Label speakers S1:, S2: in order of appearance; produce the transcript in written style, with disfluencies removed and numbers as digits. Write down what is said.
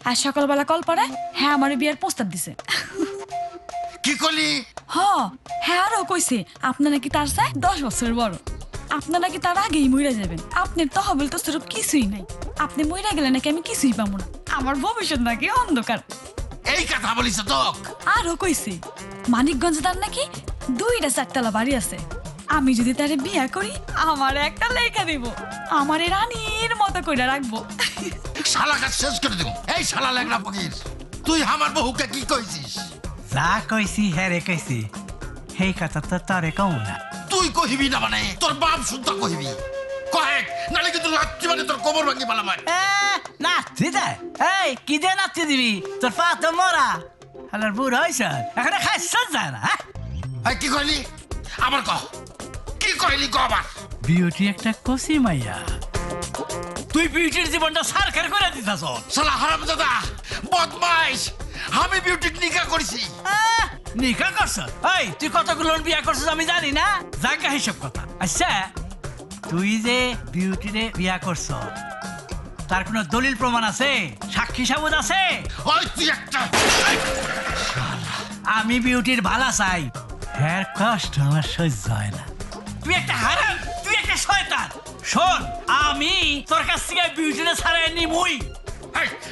S1: আর সকালবেলা কল পরে হ্যাঁ আমার বিয়ের প্রস্তাব দিছে।
S2: কি করলি?
S1: হ্যাঁ আরো কইছে আপনার নাকি তার চাই 10 বছরের বড়, আপনার নাকি তার আগেই মইরা যাবেন, আপনার তহবিল তো সেরকম কিছুই নাই, আপনি মইরা গেলে নাকি আমি কিছুই পাবো না, আমার ভবিষ্যৎ নাকি অন্ধকার।
S2: এই কথা বলিস তো?
S1: আরো কইছে মানিকগঞ্জ তার নাকি 2টা 4তলা বাড়ি আছে, আমি যদি তারে বিয়া করি আমার একটা লেখা দিব, আমারে রানীর মতো কইরা রাখবো।
S2: শালা কাজ শেষ করে দেব। এই শালা লেগনা ফকির, তুই আমার বহুকে কি কইছিস?
S3: যা কইছি হ্যাঁ রে কইছি, সেই কথা তো তারে কও না।
S2: তুই কহিবি না মানে তোর বাপ শুদ্ধ কহিবি, কহেক নালে কিন্তু লাচ্ছি মানে তোর কোমর ভাঙি পালাম।
S3: নাচতে যায় এই কি দিয়ে নাচতে দিবি, তোর পা তো মরা, হালার বুড় হয়েছ এখানে খাইছ যায় না।
S2: এই কি কইলি আবার কহ, কি কইলি কহ আবার?
S3: বিউটি একটা কষি মাইয়া, তুই বিউটির জীবনটা সারখার করে দিতাছ।
S2: শালা হারামজাদা বদমাইশ, আমি বিউটিক নিকা করেছি।
S3: নিকা করছ? এই তুই কতগুলো বিয়া করছিস আমি জানি না, জায়গা হিসেব কথা। আচ্ছা তুই যে বিউটিরে বিয়া করছ তার কোনো দলিল প্রমাণ আছে, সাক্ষী সাবুত আছে?
S2: ওই তুই একটা,
S3: আমি বিউটির ভালা চাই, হ্যাঁ কষ্ট আমার সহ্য হয় না। তুই একটা হারাম, তুই একটা শয়তান। শোন আমি তোর কাছ থেকে বিউটিরে ছাড়াই নিমুই।
S2: এই